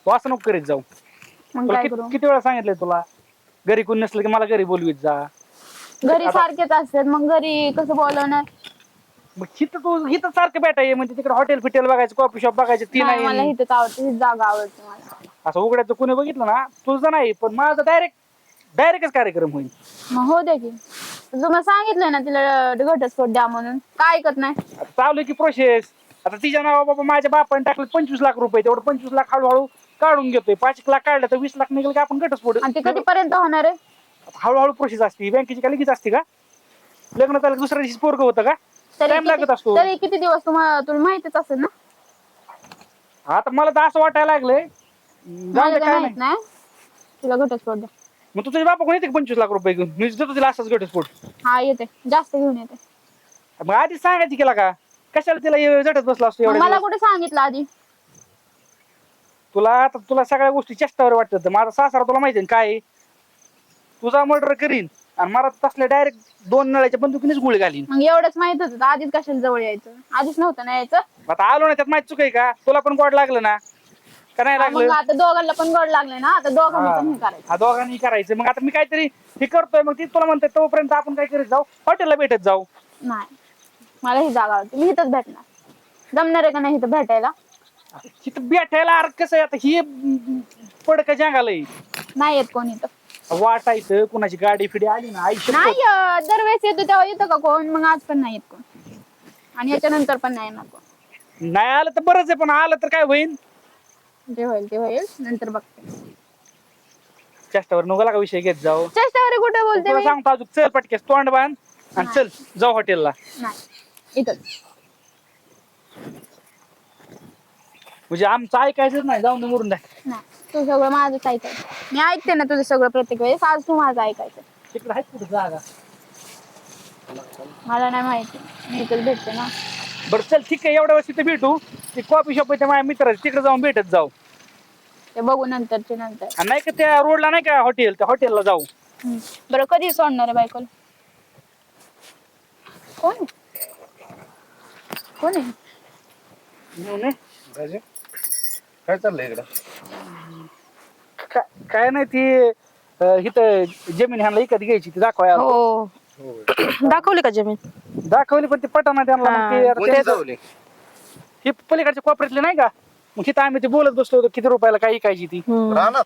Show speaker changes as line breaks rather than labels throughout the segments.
तू असं नको करीत जाऊ.
मग
तुला
काय करू?
किती वेळा सांगितलंय तुला घरी कोण नसलं की मला घरी बोलवीत जा.
घरी सारखेच असतात मग घरी कसं बोलवणार?
मग हिथं सारखं भेटाय म्हणजे तिकडे हॉटेल फिटेल बघायचं कॉफी शॉप बघायचं ती
नाही मला
नाही.
इथंच आवडते, ही जागा आवडते मला.
असं उघड्याचं कोणी बघितलं ना तुझं नाही पण माझा डायरेक्टच कार्यक्रम होईल.
मग हो दे की. तुम्हाला सांगितलंय ना तिला घटस्फोट द्या म्हणून, काय ऐकत नाही.
आता चालू आहे की प्रोसेस. आता तिच्या नावा बाबा माझ्या बापाने टाकलं 25 लाख रुपये, तेवढं 25 लाख हळूहळू काढून घेतोय. 5 लाख काढलं तर 20 लाख निघेल की आपण घटस्फोट.
आणि ते कधीपर्यंत होणार आहे?
हळूहळू प्रोसेस असते बँकेची. काय लगेच असते का? लग्न त्याला दुसऱ्या दिवशी पोरग होतं का? टाइम लागत असतो.
तरी किती दिवस तुला माहितीच असेल ना.
आता मला तर असं वाटायला लागलंय
मला काय माहित नाही. तुला घटस्फोट द्या.
मग तुझ्या बापा कोण येते 25 लाख रुपये घेऊन? मी देतो तिला असाच घटस्फोट.
हा येते, जास्त घेऊन येते.
मग आधी सांगायची केला का? कशाला तिला झटत बसला असतो
मग
एवढ्या
मला
दिवस?
कुठे सांगितलं आधी?
तुला सगळ्या गोष्टी चेष्टावर वाटतात. माझा सासरा तुला माहिती काय आहे? तुझा मर्डर करीन आणि मला तसल्या डायरेक्ट 2 नळ्याच्या बंदुकीनेच गोळी घालीन.
मग एवढंच माहित होतं आधीच, कशाला जवळ यायचं? आधीच नव्हतं ना यायचं.
आता आलो ना त्यात माहित चुक आहे का? तुला पण गोड लागलं ना का नाही
मग
लागलं?
आता दोघांना पण गोड लागले ना, आता दोघांनी पण हे करायचं.
हा दोघांनी करायचं. मग आता मी काहीतरी हे करतोय मग ती तुला म्हणते तोपर्यंत आपण काय करीत जाऊ, हॉटेलला भेटत जाऊ.
नाही, मला ही जागा आवडते, मी इथंच भेटणार. जमणार आहे का नाही इथं भेटायला?
तिथं भेटायला अर्थ कसं आहे आता ही पडकं जंगालय.
नाही येत कोणी इथं.
वाटायचं कुणाची गाडी फिडी आली ना आयुष्य.
नाही दरवेळेस येतो तेव्हा येतं का कोण? मग आज पण नाही येत कोण, आणि याच्यानंतर पण नाही येणार कोण.
नाही आलं तर बरंच आहे पण आलं तर काय होईल?
जे होईल ते होईल, नंतर बघते.
चेष्टावर नको का विषय घेत जाऊ.
चेष्टावर कुठे बोलते
तुला
मी?
सांगतो अजून चल पटकेस तोंड बांध आणि चल जाऊ हॉटेलला.
नाही इथंच.
म्हणजे आमचं ऐकायचंच नाही, जाऊन मरून द्या.
नाही, तू सगळं माझंच ऐकायचं. मी ऐकते ना तुझं सगळं प्रत्येक वेळेस, आज तू माझं ऐकायचं.
तिकडे आहेत कुठे जागा?
मला नाही माहिती, मी इथंच भेटते ना.
बरं चल ठीक आहे, एवढ्या वेळेस तिथे भेटू. ते कॉफी शॉप आहे माझ्या मित्राचं, तिकडे जाऊन भेटत जाऊ.
ते बघू नंतरचे नंतर.
आणि नाही का त्या रोडला नाही का हॉटेल, त्या हॉटेलला जाऊ.
बरं कधी सोडणार आहे बायकोला? कोण आहे? कोण आहे?
काय चाललंय इकडं?
काय नाही ती इथं जमीन ह्यांना इकत घ्यायची ती दाखवाय.
हो दाखवली का जमीन?
दाखवली पण ती पटाना त्यांना. मग ते आता
कोणी जावली?
ही पलीकडच्या कोपऱ्यातले नाही का, मग तिथं आम्ही ते बोलत बसलो होतो किती रुपयाला काय इकायची ती.
रानात?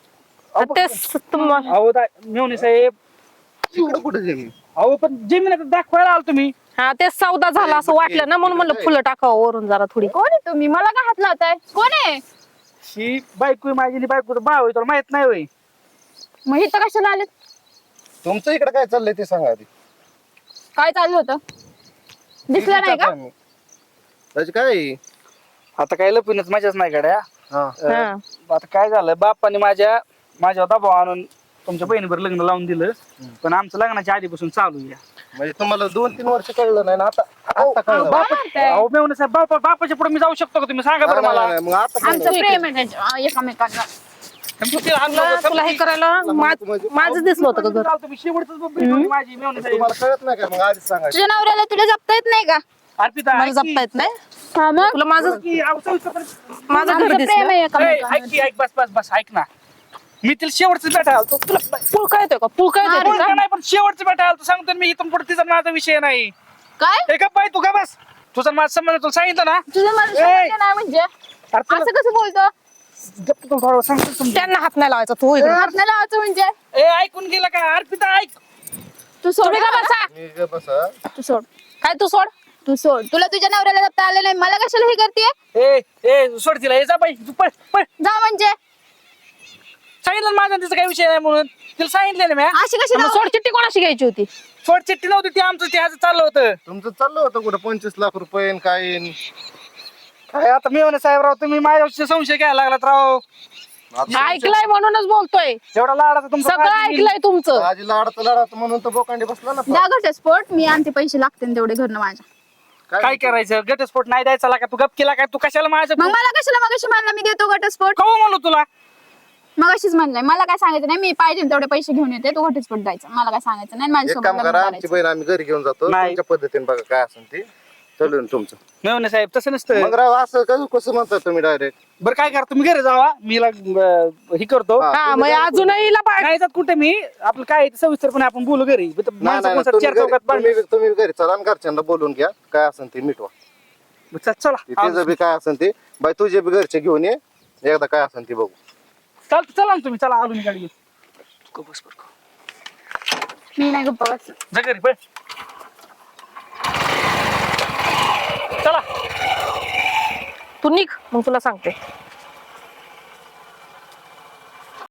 तेच तुम्हाला
अहो मेवणे साहेब,
इकडं कुठं जमीन?
अहो पण जमीन आता दाखवायला आलो तुम्ही.
हा तेच सौदा झाला असं वाटलं ना, म्हणून म्हणलं फुलं टाकावं वरून जरा थोडी.
कोण आहे तुम्ही? मला का हात लावताय? कोण आहे?
ही बायको आहे माझी, बायकोचं भाव आहे, तुला माहित नाही होय?
मग इथं कशाला आले?
तुमचं इकडे काय चाललंय ते सांगा आधी.
काय चालू होतं? दिसलं नाही का?
त्याची काय?
आता काय लपूनच मजाच नाही गड्या.
हा.
हा.
आता काय झालं, बाप्पाने माझ्या दबाव आणून तुमच्या बहिणीवर लग्न लावून दिलं. पण आमचं लग्नाच्या आधीपासून चालू आहे.
म्हणजे तुम्हाला 2-3 वर्ष कळलं नाही ना, आता कळलं.
अहो मेवणे साहेब, बापाच्या पुढे मी जाऊ शकतो का? तुम्ही सांगा बरं मला.
नाही, मग आता कळलं.
आमचं प्रेम आहे एकमेकांना.
तुला हे करायला माझं दिसलं होतं का घर?
तुम्ही शेवटच माझी मेवणे साहेब.
तुम्हाला कळत नाही का? मग आधीच सांगायचं.
तुझ्या नवऱ्याला तुला जपता येत नाही का?
अर्पिता
मला जपता येत नाही.
हा मग
तुला माझं माझं घर
आमचं प्रेम आहे
दिसलं.
एकमेकांना.
ऐक बस ऐक ना. मी तिला शेवटचं भेटायला आलतो. तुला
पूल काय येतोय का? पूल काय येतोय
बोलता
का?
नाही पण शेवटचं भेटायला आलतो. सांगतो ना मी, इथून पुढे तिचा माझा विषय नाही.
काय
हे का बाई, तू का बस. तुझा माझा संबंध तुला सांगितलं ना.
तुझं मला समजलं नाही म्हणजे? असं कसं बोलतो?
सांगतो तुमच्या.
त्यांना हात नाही लावायचा तू इकडे.
हात नाही लावायचं म्हणजे?
ऐकून गेला का अर्पिता? ऐक.
तू सोड.
तुम्ही का बसा?
मी गप्प बसा.
तू सोड.
काय तू सोड?
तू सोड. तुला तुझ्या नवऱ्याला जपता आलं नाही, मला कशाला हे करते?
ए सोड तिला. जा बाई तू पळ.
जा म्हणजे
सांगितलं ना माझा तिचा काही विषय नाही म्हणून. तिला सांगितलं ना मी.
अशी कशी
मग सोड चिठ्ठी कोणाशी घ्यायची होती?
सोड चिठ्ठी नव्हती ती, आमचं ते आज चाललं होतं.
तुमचं चाललं होतं कुठं 25 लाख रुपये काय?
काय आता मेवणे साहेबराव, तुम्ही माझ्यावर संशय घ्यायला लागलात राव.
ऐकलंय म्हणूनच बोलतोय.
एवढा लाडाचा तुमचा
सगळं ऐकलंय तुमचं.
आजी लाडत म्हणून तर बोकांडी बसला ना.
द्या घटस्फोट. मी आणते, पैसे लागते तेवढे घरनं माझ्या.
काय करायचं? घटस्फोट नाही द्यायचा का? तू गप केला काय? तू कशाला माझं
मग मला कशाला मगाशी म्हणलं मी देतो घटस्फोट?
कवा म्हणलो तुला?
मगाशीच म्हणलंय. मला काय सांगायचं नाही, मी पाहिजे तेवढे पैसे घेऊन येते, तो घटस्फोट द्यायचा. मला काय सांगायचं नाही,
एक
माझ्यासोबत
काम
लग्न
करा, आमची
करायचं.
बहीण आम्ही घरी घेऊन जातो.
नाही.
तुमच्या पद्धतीने बघा काय असेल ते. ठरलं तुमचं.
नाही साहेब तसं नसतं.
मग राव असं कसं म्हणता तुम्ही डायरेक्ट?
बरं काय करा तुम्ही घरी जावा, मी हे करतो.
हा मग अजूनही हिला
नाही जात कुठे मी, आपलं काय आहे ते सविस्तरपणे आपण बोलू घरी. माणसं कोण चार चौकात बांधली.
तुम्ही घरी चला आणि घरच्यांना बोलून घ्या, काय असेल ते मिटवा.
चला
तिचं बी काय असेल ते बाई, तुझे बी घरचे घेऊन ये एकदा, काय असेल ते बघू.
चला ना तुम्ही, चला आलो मी गाडी घेऊन. बस बरं
मी नाही गप्पा बस.
जा घरी पळ. चला
तू निघ मग तुला सांगते.